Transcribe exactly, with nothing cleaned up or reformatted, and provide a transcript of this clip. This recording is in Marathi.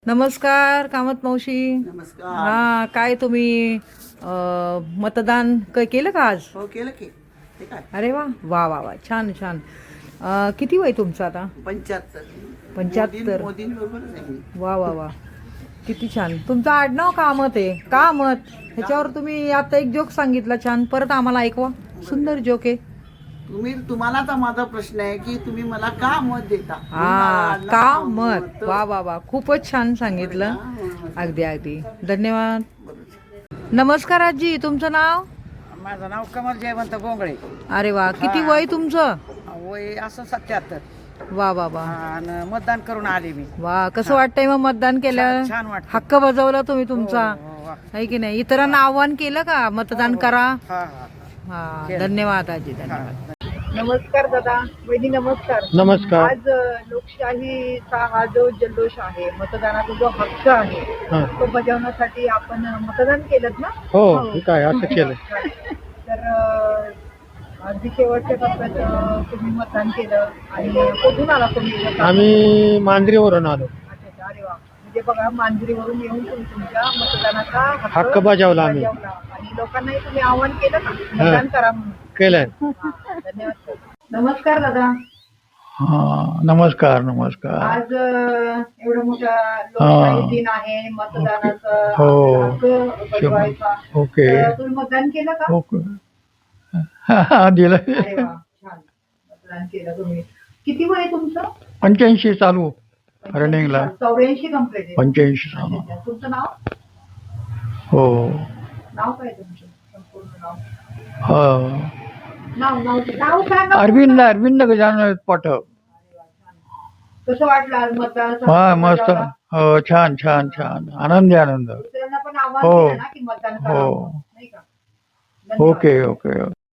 नमस्कार कामत मावशी. नमस्कार. हा काय तुम्ही अ, मतदान क केलं का आज? हो केलं की. ते काय अरे वा वा वा वा छान छान. अ, किती वय तुमचं आता? पंच्याहत्तर. पंच्याहत्तर. मोदींबरोबरच आहे मी. वा वा वा किती छान. तुमचं आडनाव कामत आहे. कामत ह्याच्यावर तुम्ही आता एक जोक सांगितला छान, परत आम्हाला ऐकवा. सुंदर जोक आहे. तुम्ही तुम्हाला तर माझा प्रश्न आहे की तुम्ही मला का मत देता? हा म्हणून का मला मत. वा वा वा खूपच छान सांगितलं. अगदी अगदी धन्यवाद. नमस्कार आजी, तुमचं नाव? माझं नाव कमल जयवंत गोंगळे. अरे वा किती वय तुमचं? वय असं सत्याहत्तर. वा वा वा आणि मतदान करून आले मी. वा कसं वाटतंय मग मतदान केलं? छान- छान वाटतं. हक्क बजावला तुम्ही तुमचा, हो, हो, वा. आहे की नाही? इतरांना आव्हान केलं का मतदान करा? हा हा हा केलं. धन्यवाद आजी, धन्यवाद. हा. नमस्कार दादा, वहिनी नमस्कार. नमस्कार. आज अ, लोकशाहीचा हा जो जल्लोष आहे, मतदानाचा जो हक्क आहे हा. तो बजावण्यासाठी आपण मतदान केलं ना? हो ठीक आहे, असं केलं. तर अ, अगदी शेवटच्या टप्प्यात अ, तुम्ही मतदान केलं आणि कुठून आला तुम्ही मतदान? आम्ही मांजरीवरून आलो. अच्छा, अच्छा. अरे वा, म्हणजे बघा मांजरीवरून येऊन तुम्ही तुमच्या मतदानाचा हक्क बजावला आम्ही. बजावला. आणि लोकांनाही तुम्ही आवाहन केलं का मतदान करा म्हणून? केलंय. हा, धन्यवाद सर. नमस्कार दादा. हा नमस्कार नमस्कार. आज अ, एवढा मोठा लोकशाही हा. दिन आहे, मतदानाचा हो. हक्क बजवायचा. ओके तर तुम्ही मतदान केलं का? ओके. हा दिलं. अरे वा छान, मतदान केलं तुम्ही. किती वय आहे तुमचं? पंच्याऐंशी चालू रनिंगला. चौऱ्याऐंशी कम्प्लीट आहे. पंच्याऐंशी अच्छा, चालू. अच्छा. तुमचं नाव? हो नाव काय तुमचं संपूर्ण नाव? हो. नाव नाव नाव सांगा. अरविंद अरविंद गजानन पाठक. कसं वाटलं आज मतदान? हा मस्त. हो छान छान छान आनंदी आनंद. दुसऱ्यांना पण आवाहन हो. केलं ना की मतदान करा हो. म्हणून, नाही का? धन्यवाद. Okay okay.